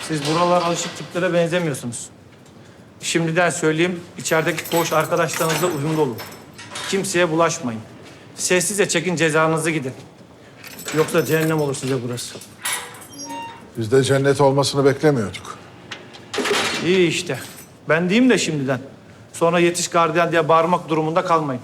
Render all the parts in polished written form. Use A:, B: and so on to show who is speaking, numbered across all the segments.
A: Siz buralar alışık tiplere benzemiyorsunuz. Şimdiden söyleyeyim, içerideki koğuş arkadaşlarınızla uyumlu olun. Kimseye bulaşmayın. Sessizce çekin, cezanızı gidin. Yoksa cehennem olur size burası.
B: Biz de cennet olmasını beklemiyorduk.
A: İyi işte. Ben diyeyim de şimdiden. Sonra yetiş gardiyan diye bağırmak durumunda kalmayın.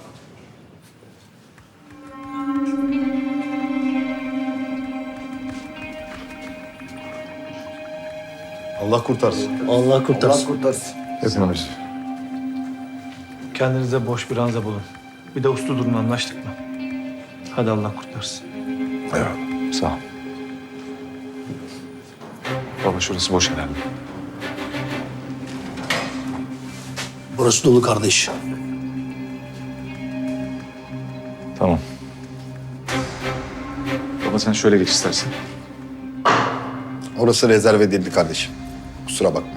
C: Allah kurtarsın.
D: Allah kurtarsın.
B: Hepimiz.
A: Kendinize boş bir ranza bulun. Bir de uslu durun, anlaştık mı? Hadi Allah kurtarsın.
B: Eyvallah.
C: Sağ ol. Baba şurası boş herhalde.
D: Burası dolu kardeş.
C: Tamam. Baba sen şöyle geç istersen.
E: Orası rezerv edildi kardeşim. Kusura bakma.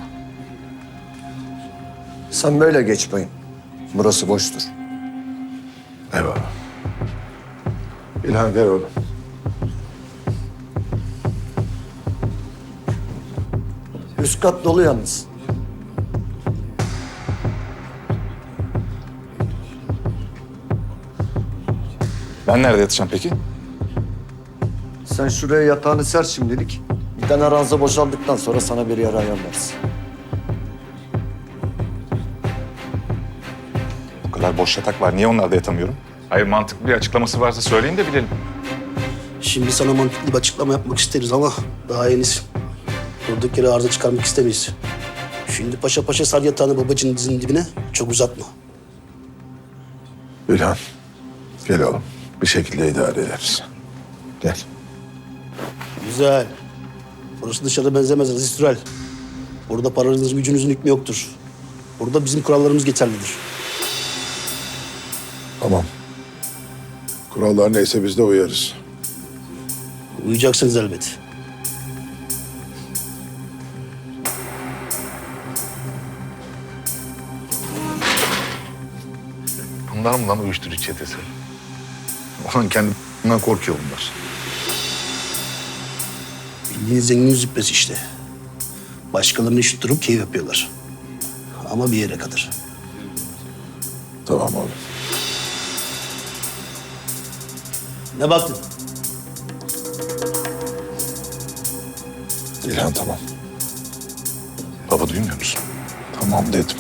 E: Sen böyle geç bayım. Burası boştur.
B: Eyvallah. İlhan gel oğlum.
E: Üst kat dolu yalnız.
C: Ben nerede yatacağım peki?
E: Sen şuraya yatağını ser şimdilik. Bir tane ranza boşaldıktan sonra sana bir yer ayarlarız.
C: O kadar boş yatak var. Niye onlarda yatamıyorum? Hayır mantıklı bir açıklaması varsa söyleyin de bilelim.
D: Şimdi sana mantıklı bir açıklama yapmak isteriz ama daha henüz durduk yere arıza çıkarmak istemeyiz. Şimdi paşa paşa sar yatağını babacının dizinin dibine, çok uzatma.
B: İlhan. Gel oğlum. Bir şekilde idare ederiz. Gel.
D: Güzel. Burası dışarıda benzemez Aziz Türel. Burada paranızın gücünüzün hükmü yoktur. Burada bizim kurallarımız geçerlidir.
B: Tamam. Kurallar neyse biz de uyarız.
D: Uyuyacaksınız elbet.
B: Bunlar mı lan uyuşturucu çetesi? Ulan kendinden korkuyor bunlar.
D: Bildiğiniz zengin züppesi işte. Başkalarını üşüttürüp keyif yapıyorlar. Ama bir yere kadar.
B: Tamam oğlum.
D: Ne baktın?
B: İlhan tamam.
C: Baba duymuyor musun?
B: Tamam dedim.